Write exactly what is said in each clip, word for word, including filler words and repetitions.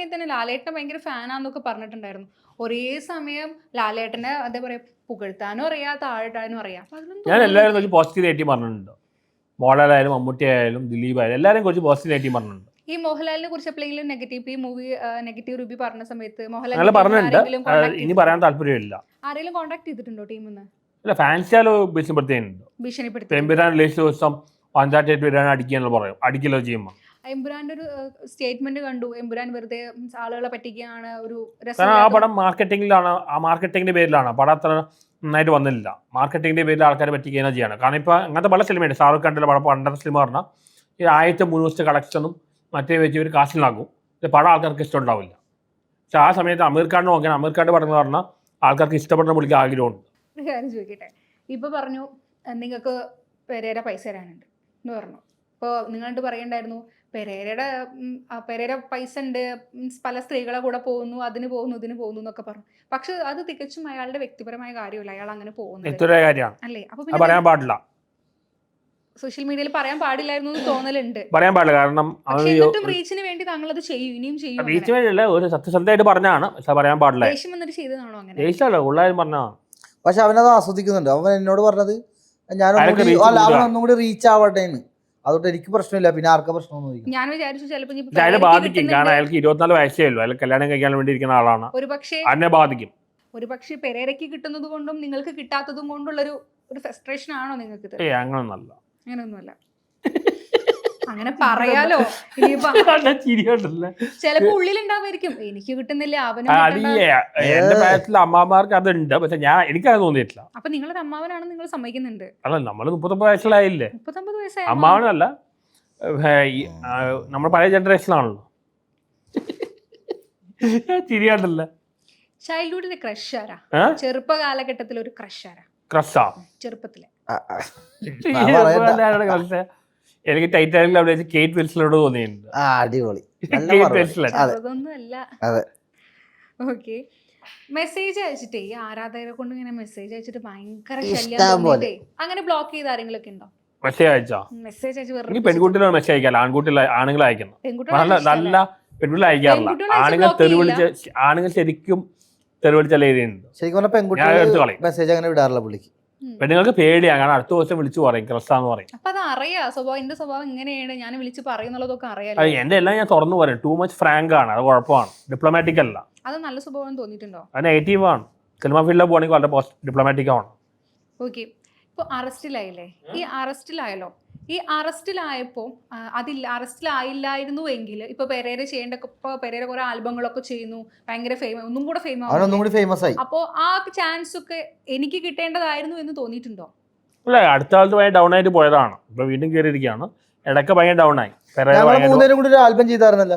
സമയത്ത് തന്നെ ലാലേട്ടനെ ഭയങ്കര ഫാനാന്നൊക്കെ പറഞ്ഞിട്ടുണ്ടായിരുന്നു. ഒരേ സമയം ലാലേട്ടനെ എന്താ പറയാ പുകഴ്ത്താനും അറിയാം താഴ്ത്താനും അറിയാം. ഞാൻ എല്ലാവരും കുറച്ച് പോസിറ്റീവ് നെഗറ്റീവ് പറഞ്ഞിട്ടുണ്ട്. മോഹൻലാലായാലും മമ്മൂട്ടി ആയാലും ദിലീപ് ആയാലും എല്ലാവരും കുറച്ച് പോസിറ്റീവ് നെഗറ്റീവ് പറഞ്ഞിട്ടുണ്ട്. ഈ മോഹൻലാലിനെ കുറിച്ച് എപ്പോഴെങ്കിലും നെഗറ്റീവ് ഈ മൂവി നെഗറ്റീവ് റിവ്യൂ പറഞ്ഞ സമയത്ത് മോഹൻലാൽ പറഞ്ഞിട്ടുണ്ട്. ഇനി പറയാൻ താല്പര്യമില്ല. ആരെങ്കിലും കോൺടാക്ട് ചെയ്തിട്ടുണ്ടോ ടീമിന്ന്? അല്ല, ഫാൻസിയാലോ ഭീഷണിപ്പെടുത്തിയിട്ടുണ്ട്. ഭീഷണിപ്പെടുത്തി എമ്പുരാൻ റിലീസ് ദിവസം പഞ്ചായത്തായിട്ട് വരാൻ അടിക്കാന്ന് പറയും. അടിക്കലോ ചെയ്യുമ്പോൾ എമ്പുരാന്റെ ഒരു സ്റ്റേറ്റ്മെന്റ് കണ്ടു. എമ്പുരാൻ വെറുതെ ആളുകളെ പറ്റിക്കുകയാണ്. ഒരു കാരണം ആ പടം മാർക്കറ്റിംഗിലാണ്, ആ മാർക്കറ്റിംഗിന്റെ പേരിലാണ്. പടം അത്ര നന്നായിട്ട് വന്നില്ല. മാർക്കറ്റിംഗിന്റെ പേരിൽ ആൾക്കാരെ പറ്റിക്കുകയാണ് ചെയ്യാണ്. കാരണം ഇപ്പൊ അങ്ങനത്തെ പല സിനിമയുണ്ട്. ഷാറുഖ് ഖാന്റെ പടം പണ്ടത്തെ സിനിമ പറഞ്ഞാൽ ഈ ആദ്യത്തെ മൂന്ന് ദിവസത്തെ കളക്ഷനും മറ്റേ വെച്ച് ഒരു കാശിലാകും. പടം ആൾക്കാർക്ക് ഇഷ്ടം ഉണ്ടാവില്ല. പക്ഷെ ആ സമയത്ത് അമീർ ഖാൻ നോക്കിയാൽ അമീർ ഖാന്റെ പടം എന്ന് പറഞ്ഞാൽ ആൾക്കാർക്ക് ഇഷ്ടപ്പെടുന്ന പുള്ളിക്ക് ആഗ്രഹമുണ്ട്. ഒരു കാര്യം ചോദിക്കട്ടെ, ഇപ്പൊ പറഞ്ഞു നിങ്ങൾക്ക് പെരേര പൈസ തരാനുണ്ട് എന്ന് പറഞ്ഞു. ഇപ്പോൾ നിങ്ങളോട് പറയണ്ടായിരുന്നു പെരേരയുടെ പെരേര പൈസ ഉണ്ട്, പല സ്ത്രീകളെ കൂടെ പോകുന്നു, അതിന് പോകുന്നു ഇതിന് പോകുന്നു എന്നൊക്കെ പറഞ്ഞു. പക്ഷെ അത് തികച്ചും അയാളുടെ വ്യക്തിപരമായ കാര്യമല്ല. അയാൾ അങ്ങനെ പോകുന്നത് അല്ലേ? അപ്പൊ പറയാൻ പാടില്ല, സോഷ്യൽ മീഡിയയിൽ പറയാൻ പാടില്ലായിരുന്നു എന്ന് തോന്നലുണ്ട്. പറയാൻ പാടില്ല. കാരണം എന്നിട്ടും റീച്ചിന് വേണ്ടി താങ്കൾ അത് ചെയ്യും, ഇനിയും ചെയ്യും. റീച്ച് വേണ്ടിയല്ല, ഒരു സത്യസന്ധമായിട്ട് പറഞ്ഞാണ്. പക്ഷെ പറയാൻ പാടില്ല. ദേഷ്യം വന്നിട്ട് ചെയ്തതാണോ? അങ്ങനെ ദേഷ്യമല്ല, ഉള്ളാരും പറഞ്ഞാണ്. പക്ഷെ അവനത് ആസ്വദിക്കുന്നുണ്ട്. അവൻ എന്നോട് പറഞ്ഞത് ഞാൻ അവനൊന്നും കൂടി റീച്ച് ആവട്ടെ എന്ന്. അതുകൊണ്ട് എനിക്ക് പ്രശ്നമില്ല, പിന്നെ ആർക്കാ പ്രശ്നം? ഞാൻ വിചാരിച്ചു ചിലപ്പോൾ അയാളെ ബാധിക്കും. കാരണം അയാൾക്ക് ഇരുപത്തിനാല് വയസ്സേ ഉള്ളൂ. അയാൾ കല്യാണം കഴിക്കാൻ വേണ്ടി ഇരിക്കുന്ന ആളാണ്. ഒരു പക്ഷേ അതിനെ ബാധിക്കും. ഒരു പക്ഷേ പെരേരയ്ക്ക് കിട്ടുന്നത് കൊണ്ടും നിങ്ങൾക്ക് കിട്ടാത്തതും കൊണ്ടുള്ളൊരു ഒരു ഫ്രസ്ട്രേഷൻ ആണോ നിങ്ങൾക്ക്? ഏയ് അങ്ങനൊന്നല്ല, അങ്ങനൊന്നുമല്ല. അങ്ങനെ പറയാലോ. ചിലപ്പോ ഉള്ളിലുണ്ടാവായിരിക്കും എനിക്ക് കിട്ടുന്നില്ല അവന്. എന്റെ പ്രായത്തിലെ അമ്മമാർക്ക് അതുണ്ട്, പക്ഷെ ഞാൻ എനിക്കത് തോന്നിയിട്ടില്ല. അപ്പൊ നിങ്ങളൊരു അമ്മാവനാണ്, നിങ്ങൾ സമ്മതിക്കുന്നുണ്ട്? അല്ല, നമ്മള് മുപ്പത്തൊമ്പത് വയസ്സിലായില്ലേ. മുപ്പത്തൊമ്പത് വയസ്സായ അമ്മാവനല്ല, നമ്മൾ പഴയ ജനറേഷനാണല്ലോ. ചിരിയാണ്ടല്ലേ. ചൈൽഡ്ഹുഡിലെ ക്രഷ് ആരാ? ചെറുപ്പ കാലഘട്ടത്തിൽ ഒരു ക്രഷ് ആരാ? ക്രഷാ ചെറുപ്പത്തിലെ എനിക്ക് ടൈറ്റാനിക്കിൽ അവിടെ കേറ്റ് വിൽസലോട് തോന്നിയിട്ടുണ്ട്. അടിപൊളി. ഓക്കെ. മെസ്സേജ് അയച്ചിട്ടേ ഈ ആരാധകരെ കൊണ്ട് ഇങ്ങനെ മെസ്സേജ് അയച്ചിട്ട് ഭയങ്കര ശല്യം. അങ്ങനെ ബ്ലോക്ക് ചെയ്ത ആരെങ്കിലൊക്കെ ഉണ്ടോ? മെസ്സേജ് അയച്ചാ മെസ്സേജ് അയച്ച് പെൺകുട്ടികളാണ് മെസ്സേജ് അയക്കാല്ല, ആൺകുട്ടികൾ ആണുങ്ങൾ അയക്കണം. നല്ല പെൺകുട്ടികൾ അയക്കാറില്ല. ആണുങ്ങൾ തെറിവിളിച്ച് ആണുങ്ങൾ ശരിക്കും തെറിവിളിച്ചല്ല എഴുതിയുണ്ട്. ശരിക്കും പറഞ്ഞാൽ പെൺകുട്ടികൾ മെസ്സേജ് അങ്ങനെ വിടാറില്ല പുള്ളിക്ക്. പെണ്ണുങ്ങൾക്ക് പേടിയാണ്, കാരണം അടുത്ത ദിവസം വിളിച്ചു പറയും ക്രസ്സാന്ന് പറയും. അപ്പൊ അത് അറിയാം, സ്വഭാവം എന്റെ സ്വഭാവം ഇങ്ങനെയാണ്, ഞാൻ വിളിച്ച് പറയുന്നുള്ളതൊക്കെ അറിയാം. എന്റെ എല്ലാം ഞാൻ തുറന്നു പറയും. ടൂ മച്ച് ഫ്രാങ്ക് ആണ്, അത് കുഴപ്പമാണ്. ഡിപ്ലോമാറ്റിക് അല്ല. അത് നല്ല സ്വഭാവം തോന്നിയിട്ടുണ്ടോ? അത് നെഗറ്റീവ് ആണ്. സിനിമ ഫീൽഡിൽ പോകണമെങ്കിൽ വളരെ ഡിപ്ലോമാറ്റിക് ആണ്. ഓക്കെ. ഇപ്പൊ അറസ്റ്റിലായില്ലേ? ഈ അറസ്റ്റിലായല്ലോ, ഈ അറസ്റ്റിലായപ്പോ അതില്ല അറസ്റ്റിലായില്ലായിരുന്നു എങ്കിൽ ഇപ്പൊ പെരേര ചെയ്യേണ്ട, ഇപ്പൊ പെരേര കുറെ ആൽബങ്ങളൊക്കെ ചെയ്യുന്നു, ഭയങ്കര ഫേമസ്, ഒന്നും കൂടെ ഫേമസ് ആയി. അപ്പോ ആ ചാൻസ് ഒക്കെ എനിക്ക് കിട്ടേണ്ടതായിരുന്നു എന്ന് തോന്നിയിട്ടുണ്ടോ? അല്ല, അടുത്ത കാലത്ത് ഭയങ്കര ഡൗൺ ആയിട്ട് പോയതാണ്. ഇപ്പൊ വീണ്ടും കയറിയിരിക്കുകയാണ്. ഇടയ്ക്ക് ഭയങ്കര ഡൗൺ ആയി. മൂന്നുപേരും കൂടി ഒരു ആൽബം ചെയ്തായിരുന്നല്ലോ.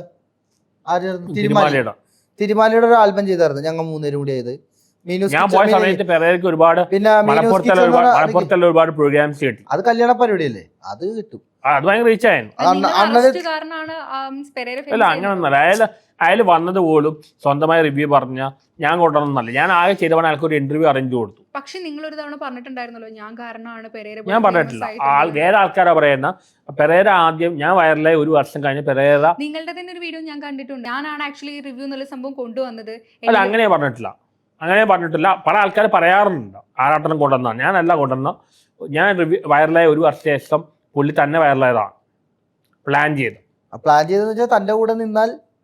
തിരുമാലയുടെ ഒരു ആൽബം ചെയ്തായിരുന്നു ഞങ്ങൾ മൂന്നുപേരും കൂടി ആയത്. ഞാൻ പോയ സമയത്ത് പെരേരയ്ക്ക് ഒരുപാട് മലപ്പുറത്തുള്ള ഒരുപാട് പ്രോഗ്രാംസ് കിട്ടി. അത് കല്യാണ പരിപാടിയല്ലേ, അത് കിട്ടും. അത് ഭയങ്കര റീച്ച് ആയിരുന്നു. അല്ല, അങ്ങനൊന്നല്ല. അയാൾ അയാൾ വന്നത് പോലും സ്വന്തമായി റിവ്യൂ പറഞ്ഞ ഞാൻ കൊണ്ടുവന്നല്ല. ഞാൻ ആകെ ചെയ്തവണ് അയാൾക്ക് ഒരു ഇന്റർവ്യൂ അറേഞ്ച് കൊടുത്തു. പക്ഷെ നിങ്ങൾ ഒരു തവണ പറഞ്ഞിട്ടുണ്ടായിരുന്നല്ലോ ഞാൻ കാരണമാണ് പെരേര. ഞാൻ പറഞ്ഞിട്ടില്ല. ആൾ വേറെ ആൾക്കാരാ പറയുന്ന. പെരേര ആദ്യം ഞാൻ വൈറലായി ഒരു വർഷം കഴിഞ്ഞ് പെരേര നിങ്ങളുടെ തന്നെ ഒരു വീഡിയോ ഞാൻ കണ്ടിട്ടുണ്ട്. ഞാനാണ് ആക്ച്വലി റിവ്യൂ എന്നുള്ള സംഭവം കൊണ്ടുവന്നത്. അല്ല, അങ്ങനെ പറഞ്ഞിട്ടില്ല. അങ്ങനെ പറഞ്ഞിട്ടില്ല. പല ആൾക്കാർ പറയാറുണ്ട് ആരാട്ടനം കൊണ്ടുവന്ന. ഞാനല്ല കൊണ്ടുവന്ന. ഞാൻ റിവ്യൂ വൈറലായ ഒരു വർഷ ശേഷം പുള്ളി തന്നെ വൈറലായതാണ്. പ്ലാൻ ചെയ്ത് പ്ലാൻ ചെയ്തെന്ന് വെച്ചാൽ തന്റെ കൂടെ നിന്നാൽ